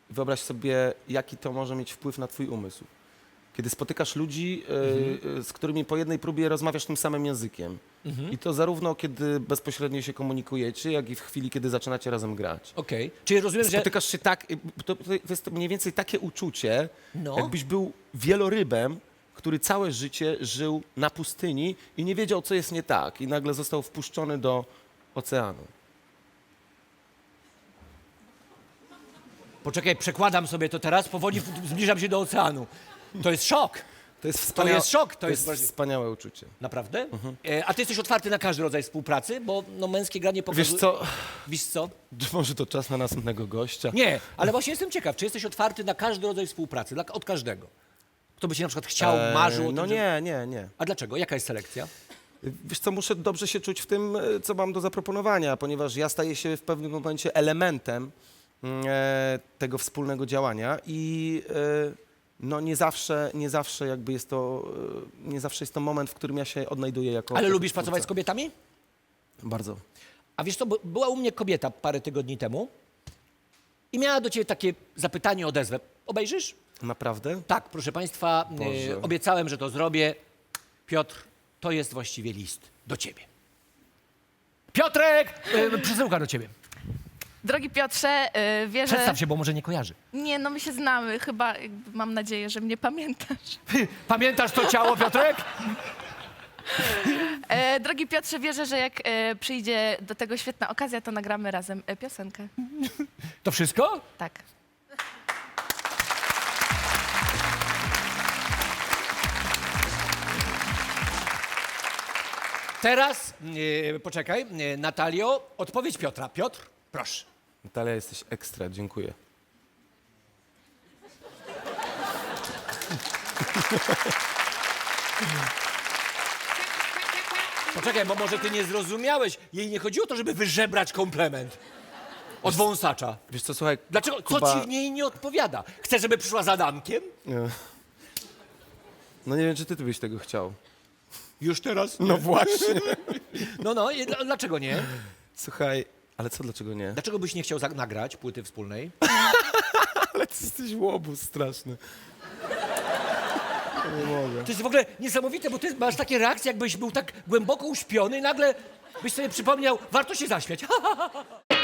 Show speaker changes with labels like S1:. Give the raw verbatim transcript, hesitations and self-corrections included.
S1: wyobraź sobie, jaki to może mieć wpływ na twój umysł. Kiedy spotykasz ludzi, mhm. y, z którymi po jednej próbie rozmawiasz tym samym językiem. Mhm. I to zarówno kiedy bezpośrednio się komunikujecie, jak i w chwili, kiedy zaczynacie razem grać.
S2: Okej. Okay. Czyli rozumiem, że...
S1: Spotykasz się tak, to, to jest mniej więcej takie uczucie,
S2: no.
S1: jakbyś był wielorybem, który całe życie żył na pustyni i nie wiedział, co jest nie tak. I nagle został wpuszczony do oceanu.
S2: Poczekaj, przekładam sobie to teraz, powoli zbliżam się do oceanu. To jest szok.
S1: To jest,
S2: To
S1: wspaniałe,
S2: jest szok. To,
S1: to jest,
S2: jest
S1: wspaniałe uczucie.
S2: Naprawdę? Mhm. E, a ty jesteś otwarty na każdy rodzaj współpracy? Bo no, męskie granie pokazuje...
S1: Wiesz co?
S2: Wiesz co?
S1: Może to czas na następnego gościa?
S2: Nie, ale właśnie jestem ciekaw, czy jesteś otwarty na każdy rodzaj współpracy? Dla, od każdego? Kto by się na przykład chciał,
S1: Eee,
S2: marzył o tym,
S1: No
S2: że...
S1: nie, nie, nie.
S2: A dlaczego? Jaka jest selekcja?
S1: Wiesz co, muszę dobrze się czuć w tym, co mam do zaproponowania, ponieważ ja staję się w pewnym momencie elementem e, tego wspólnego działania i e, no nie zawsze, nie zawsze jakby jest to, e, nie zawsze jest to moment, w którym ja się odnajduję jako...
S2: Ale
S1: jako
S2: lubisz
S1: twórca.
S2: pracować z kobietami?
S1: Bardzo.
S2: A wiesz co, bo była u mnie kobieta parę tygodni temu i miała do ciebie takie zapytanie, odezwę. Obejrzysz?
S1: Naprawdę?
S2: Tak, proszę państwa,
S1: Boże.
S2: e, obiecałem, że to zrobię. Piotr, to jest właściwie list do ciebie. Piotrek! E, przesyłka do ciebie.
S3: Drogi Piotrze, yy, wierzę...
S2: Przedstaw się, bo może nie kojarzy.
S3: Nie, no my się znamy. Chyba jakby mam nadzieję, że mnie pamiętasz.
S2: Pamiętasz to ciało, Piotrek?
S3: E, drogi Piotrze, wierzę, że jak e, przyjdzie do tego świetna okazja, to nagramy razem e, piosenkę.
S2: To wszystko?
S3: Tak.
S2: Teraz, e, poczekaj, e, Natalio, odpowiedź Piotra. Piotr, proszę.
S1: Natalia, jesteś ekstra, dziękuję.
S2: Poczekaj, bo może ty nie zrozumiałeś. Jej nie chodziło o to, żeby wyżebrać komplement od wąsacza.
S1: Wiesz co, słuchaj,
S2: Dlaczego? Co
S1: Kuba...
S2: ci w niej nie odpowiada? Chcesz, żeby przyszła z Adamkiem?
S1: Nie. No nie wiem, czy ty, ty byś tego chciał.
S2: Już teraz?
S1: No właśnie.
S2: No, no, i dl- dlaczego nie?
S1: Słuchaj, ale co, dlaczego nie?
S2: Dlaczego byś nie chciał za- nagrać płyty wspólnej?
S1: Ale ty jesteś łobuz straszny. Nie mogę.
S2: To jest w ogóle niesamowite, bo ty masz takie reakcje, jakbyś był tak głęboko uśpiony i nagle byś sobie przypomniał, warto się zaśmiać.